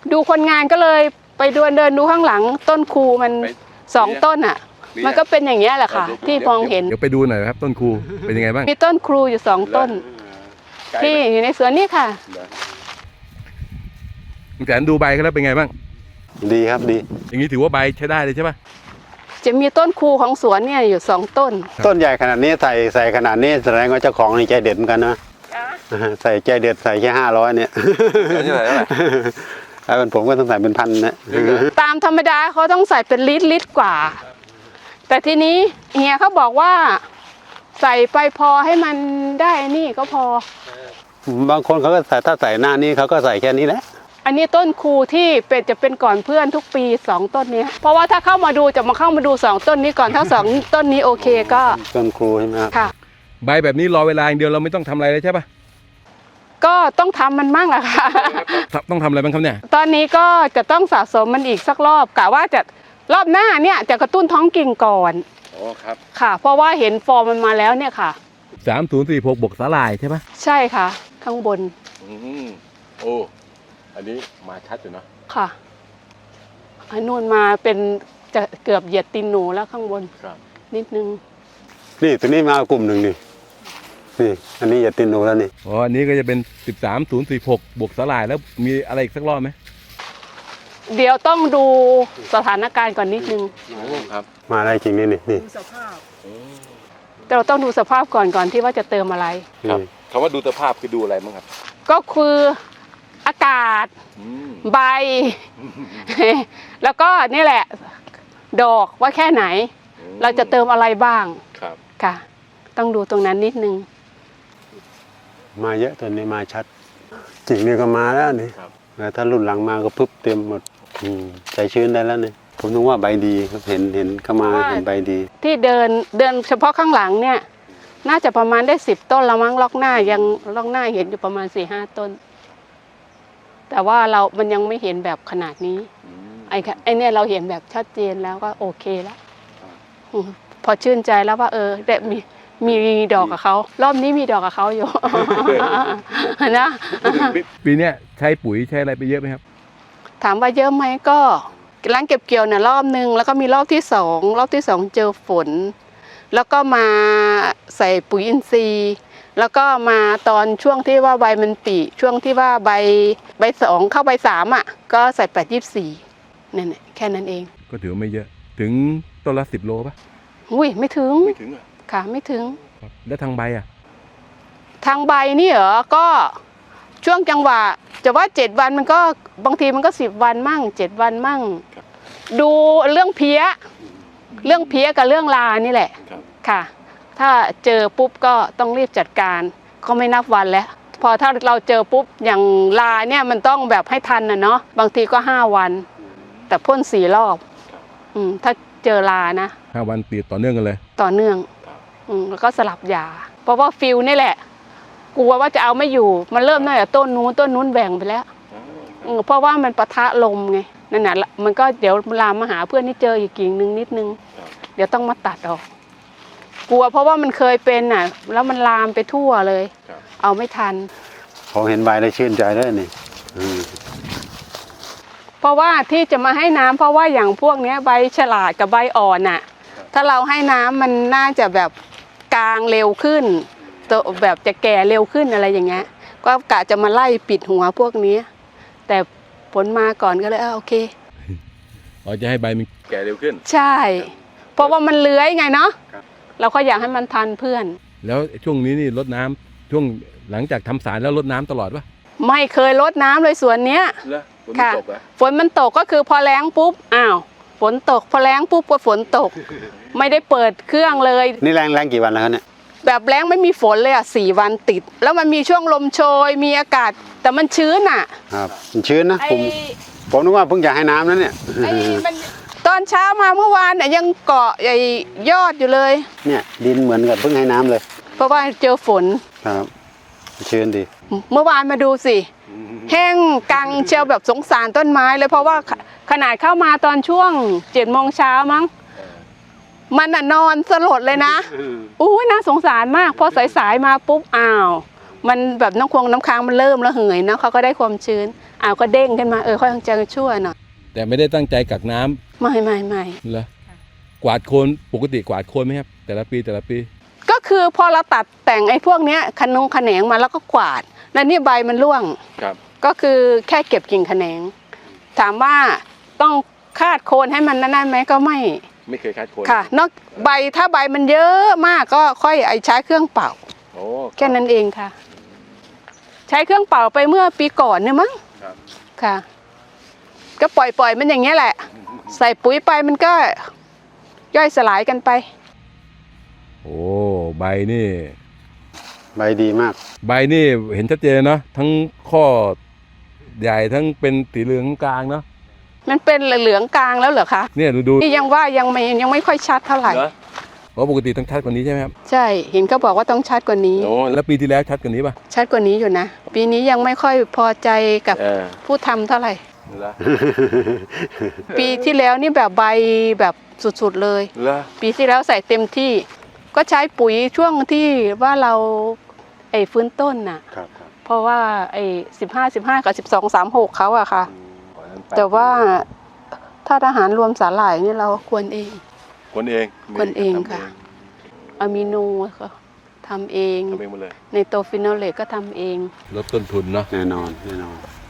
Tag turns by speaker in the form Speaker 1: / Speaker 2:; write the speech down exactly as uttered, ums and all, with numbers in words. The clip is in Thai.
Speaker 1: ดูคนงานก็เลยไปเดินเดินดูข้างหลังต้นคูมันสองต้นอ่ะมันก็เป็นอย่างเงี้ยแหละค่ะที่มองเห็น
Speaker 2: เดี๋ยวไปดูหน่อยครับต้นคูเป็นยังไงบ้าง
Speaker 1: มีต้นครูอยู่สองต้นที่อยู่ในสวนนี่ค่ะ
Speaker 2: คุณแสนดูใบเขาแล้วเป็นไงบ้าง
Speaker 3: ดีครับดี
Speaker 2: อย่างนี้ถือว่าใบใช้ได้เลยใช่ปะ
Speaker 1: จะมีต้นคูของสวนเนี่ยอยู่สองต้น
Speaker 3: ต้นใหญ่ขนาดนี้ใส่ใส่ขนาดนี้แสดงว่าเจ้าของนี่ใจเด็ดเหมือนกันนะใส่ใจเด็ดใส่แค่ห้าร้อยเนี่ยถ้าเป็นผมก็ต้องใส่เป็นพันนะ
Speaker 1: ตามธรรมดาเขาต้องใส่เป็นลิตรลิตรกว่าแต่ทีนี้เฮียเขาบอกว่าใส่ไปพอให้มันได้นี่ก็พอบ
Speaker 3: างคนเขาก็ใส่ถ้าใส่หน้านี้เขาก็ใส่แค่นี้แหละ
Speaker 1: อันนี้ต้นคูที่เป็นจะเป็นก่อนเพื่อนทุกปีสองต้นนี้เพราะว่าถ้าเข้ามาดูจะมาเข้ามาดูสองต้นนี้ก่อนถ้าสองต้นนี้โอเคก็
Speaker 3: ต้นคูใช่ไหมครับ
Speaker 1: ค่ะ
Speaker 2: ใบแบบนี้รอเวลาอย่างเดียวเราไม่ต้องทำอะไรเลยใช่ปะ
Speaker 1: ก็ต้องทำมันมั่งอะค่ะ
Speaker 2: ต้องทำอะไรบ้างครับเนี่ย
Speaker 1: ตอนนี้ก็จะต้องสะสมมันอีกสักรอบกะว่าจะรอบหน้าเนี่ยจะกระตุ้นท้องกิ่งก่อน
Speaker 2: โอ้ครับ
Speaker 1: ค่ะเพราะว่าเห็นฟอร์มมันมาแล้วเนี่ยค่ะ
Speaker 2: สามศูนย์สี่หกบวกสาหร่ายใช่ปะ
Speaker 1: ใช่ค่ะข้างบน
Speaker 2: อืมโอ้อันนี้มาชัดอยู่นะ
Speaker 1: ค่ะอันนู้นมาเป็นจะเกือบเหยียดตีนหนูแล้วข้างบน
Speaker 2: ครับ
Speaker 1: นิดนึง
Speaker 3: นี่ตัวนี้มากลุ่มหนึ่งนี่นี่อันนี้เหยียดตีนหนูแล้วนี่
Speaker 2: อ๋ออันนี้ก็จะเป็นสิบสามศูนย์สี่หกบวกสาหร่ายแล้วมีอะไรอีกสักรอบไหม
Speaker 1: เดี๋ยวต้องดูสถานการณ์ก่อนนิดนึง
Speaker 2: ครับ
Speaker 3: มาได้จริงนี่นี่
Speaker 1: ดูสภาพแต่เราต้องดูสภาพก่อนก่อนที่ว่าจะเติมอะไร
Speaker 2: ครับคำว่าดูสภาพคือดูอะไรบ้างครับ
Speaker 1: ก็คืออากาศใบแล้วก็นี่แหละดอกว่าแค่ไหนเราจะเติมอะไรบ้าง
Speaker 2: ครับ
Speaker 1: ค่ะต้องดูตรงนั้นนิดนึง
Speaker 3: มาเยอะตัวนี้มาชัดจริงนี่ก็มาแล้วนี่แล้วถ้ารุ่นหลังมาก็พึบเต็มหมดใจชื้นได้แล้วนี่ผมนึกว่าใบดีครับเห็นเห็นเข้ามาเห็นใบดี
Speaker 1: ที่เดินเดินเฉพาะข้างหลังเนี่ยน่าจะประมาณได้สิบต้นละมั้งล็อกหน้ายังล็อกหน้าเห็นอยู่ประมาณสี่ห้าต้นแต่ว่าเรามันยังไม่เห็นแบบขนาดนี้ไอ้ไอ้เนี่ยเราเห็นแบบชัดเจนแล้วก็โอเคแล้วพอชื่นใจแล้วว่าเออได้มีมีดอกกับเขารอบนี้มีดอกกับเขาอยู่นะ
Speaker 2: ปีนี้ใช้ปุ๋ยใช้อะไรไปเยอะไหมครับ
Speaker 1: ถามว่าเยอะไหมก็ล้างเก็บเกี่ยวเนี่ยรอบนึงแล้วก็มีรอบที่สองรอบที่สองเจอฝนแล้วก็มาใส่ปุ๋ยอินทรีย์แล้วก็มาตอนช่วงที่ว่าใบมันปีช่วงที่ว่าใบใบสองเข้าใบสามอ่ะก็ใส่แปดยี่สี่เนี่ยแค่นั้นเอง
Speaker 2: ก็ถือไม่เยอะถึงต้นละสิบโลป่ะ
Speaker 1: อุ้ยไม่ถึง
Speaker 2: ไม่ถึงอ่ะ
Speaker 1: ค่ะไม่ถึง
Speaker 2: แล้วทางใบอ่ะ
Speaker 1: ทางใบนี่เหรอก็ช่วงจังหวะจะว่าเจ็ดวันมันก็บางทีมันก็สิบวันมั่งเจ็ดวันมั่งดูเรื่องเพี้ยเรื่องเพี้ยกับเรื่องลานี่แหละค่ะถ้าเจอปุ๊บก็ต้องรีบจัดการก็ไม่นับวันแล้วพอถ้าเราเจอปุ๊บอย่างลาเนี่ยมันต้องแบบให้ทันนะเนาะบางทีก็ห้าวันแต่พ่นสี่รอบอืมถ้าเจอลานะ
Speaker 2: ห้าวันติดต่อเนื่องกันเลย
Speaker 1: ต่อเนื่องอืมแล้วก็สลับยาเพราะว่าฟิลนี่แหละกลัวว่าจะเอาไม่อยู่มันเริ่มตั้งแต่ต้นนู้นต้นนู้นแบ่งไปแล้วเพราะว่ามันปะทะลมไงนั่นแหละมันก็เดี๋ยวลามมาหาเพื่อนที่เจออีกกิ่งนึงนิดนึงเดี๋ยวต้องมาตัดออกกลัวเพราะว่ามันเคยเป็นน่ะแล้วมันลามไปทั่วเลยเอาไม่ทัน
Speaker 3: พอเห็นใบได้ชื่นใจได้นี่
Speaker 1: เพราะว่าที่จะมาให้น้ำเพราะว่าอย่างพวกนี้ใบฉลาดกับใบอ่อนน่ะถ้าเราให้น้ำมันน่าจะแบบกลางเร็วขึ้นตัวแบบจะแก่เร็วขึ้นอะไรอย่างเงี้ยก็กะจะมาไล่ปิดหัวพวกนี้แต่ผลมาก่อนก็เลยเออโอเค
Speaker 2: อ๋อจะให้ใบมันแก่เร็วขึ้น
Speaker 1: ใช่เพราะว่ามันเลื้อยไงเนาะเราก็อยากให้มันทันเพื่อน
Speaker 2: แล้วช่วงนี้นี่รดน้ำช่วงหลังจากทำสารแล้วรดน้ำตลอดปะ
Speaker 1: ไม่เคยรดน้ำเลยสวนเนี้ยค่ะฝนมันตกก็คือพอแล้งปุ๊บอ้าวฝนตกพอแล้งปุ๊บก็ฝนตกไม่ได้เปิดเครื่องเลย
Speaker 3: นี่แรงแรงกี่วันแล้วเนี่ย
Speaker 1: แบบแล้งไม่มีฝนเลยอ่ะสี่วันติดแล้วมันมีช่วงลมโชยมีอากาศแต่มันชื้นอ่ะ
Speaker 3: ครับมันชื้นนะผมผมนึกว่าเพิ่งจะให้น้ำนั่นเนี่ย
Speaker 1: ตอนเช้ามาเมื่อวานเนี่ยยังเกาะใหญ่ยอดอยู่เลย
Speaker 3: เนี่ยดินเหมือนกับเพิ่งให้น้ำเลย
Speaker 1: เพราะว่าเจอฝน
Speaker 3: ครับชื้นดี
Speaker 1: เมื่อวานมาดูสิแห้งกังเชียวแบบสงสารต้นไม้เลยเพราะว่าขนาดเข้ามาตอนช่วงเจ็ดโมงเช้ามั้งมันน่ะนอนสลดเลยนะอู้น่าสงสารมากพอสายๆมาปุ๊บอ้าวมันแบบน้ำคงน้ำค้างมันเริ่มระเหยนะเขาก็ได้ความชื้นอ้าวก็เด้งขึ้นมาเออค่อยจะชั่วหน่อย
Speaker 2: แต่ไม่ได้ตั้งใจกักน้ำ
Speaker 1: ไม่ไม่ไม่
Speaker 2: เหรอกวาดโคนปกติกวาดโคนไหมครับแต่ละปีแต่ละปี
Speaker 1: ก็คือพอเราตัดแต่งไอ้พวกเนี้ยขนงขแขนงมาแล้วก็กวาด แล้วนี่ใบมันร่วง
Speaker 2: ครับ
Speaker 1: ก็คือแค่เก็บกิ่งแขนง ถามว่าต้องคาดโคนให้มันนั่นๆไหมก็ไม่
Speaker 2: ไม่เคยคัดโคน
Speaker 1: ค่ะ นอกใบถ้าใบมันเยอะมากก็ค่อยไอใช้เครื่องเป่า
Speaker 2: โอ้
Speaker 1: แค่นั้นเองค่ะ ใช้เครื่องเป่าไปเมื่อปีก่อนเนี่ยมั้ง
Speaker 2: ครับ
Speaker 1: ค่ะ ก็ปล่อยปล่อยมันอย่างเงี้ยแหละ ใส่ปุ๋ยไปมันก็ย่อยสลายกันไป
Speaker 2: โอ้ใบนี่
Speaker 3: ใบดีมาก
Speaker 2: ใบนี่เห็นชัดเจนเนาะทั้งข้อใหญ่ทั้งเป็นสีเหลืองกลางเนาะ
Speaker 1: มันเป็นเหลืองกลางแล้วเหรอคะ
Speaker 2: เนี่ยดูดู
Speaker 1: นี่ยังว่ายังไม่ยังไม่ค่อยชัดเท่าไหร่
Speaker 2: เหรอเพราะปกติต้องชัดกว่านี้ใช่ไหมครับ
Speaker 1: ใช่ เห็นเขาบอกว่าต้องชัดกว่านี้
Speaker 2: โอ้แล้วปีที่แล้วชัดกว่านี้ป่ะ
Speaker 1: ชัดกว่านี้อยู่นะ ปีนี้ยังไม่ค่อยพอใจกับ
Speaker 2: เออ
Speaker 1: ผู้ทำเท่าไหร่
Speaker 2: เหรอ
Speaker 1: ปีที่แล้วนี่แบบใบแบบสุดๆเลย
Speaker 2: เหรอ
Speaker 1: ปีที่แล้วใส่เต็มที่ ก็ใช้ปุ๋ยช่วงที่ว่าเราไอ้ฟื้นต้นน่ะ
Speaker 3: ครับครับ
Speaker 1: เพราะว่าไอ้สิบห้าสิบห้ากับสิบสองสามหกเขาอะค่ะ แต่ว่าถ้าอาหารรวมสาหร่ายนี่เราควรเอง
Speaker 2: คนเอง
Speaker 1: คนเองค่ะ อะมิโนก็ทำเอง
Speaker 2: ทำเองหมดเลย
Speaker 1: ในโตฟิโนเลตก็ทำเอง
Speaker 2: ลดต้นทุนเนาะ
Speaker 3: แน่นอนแน่นอน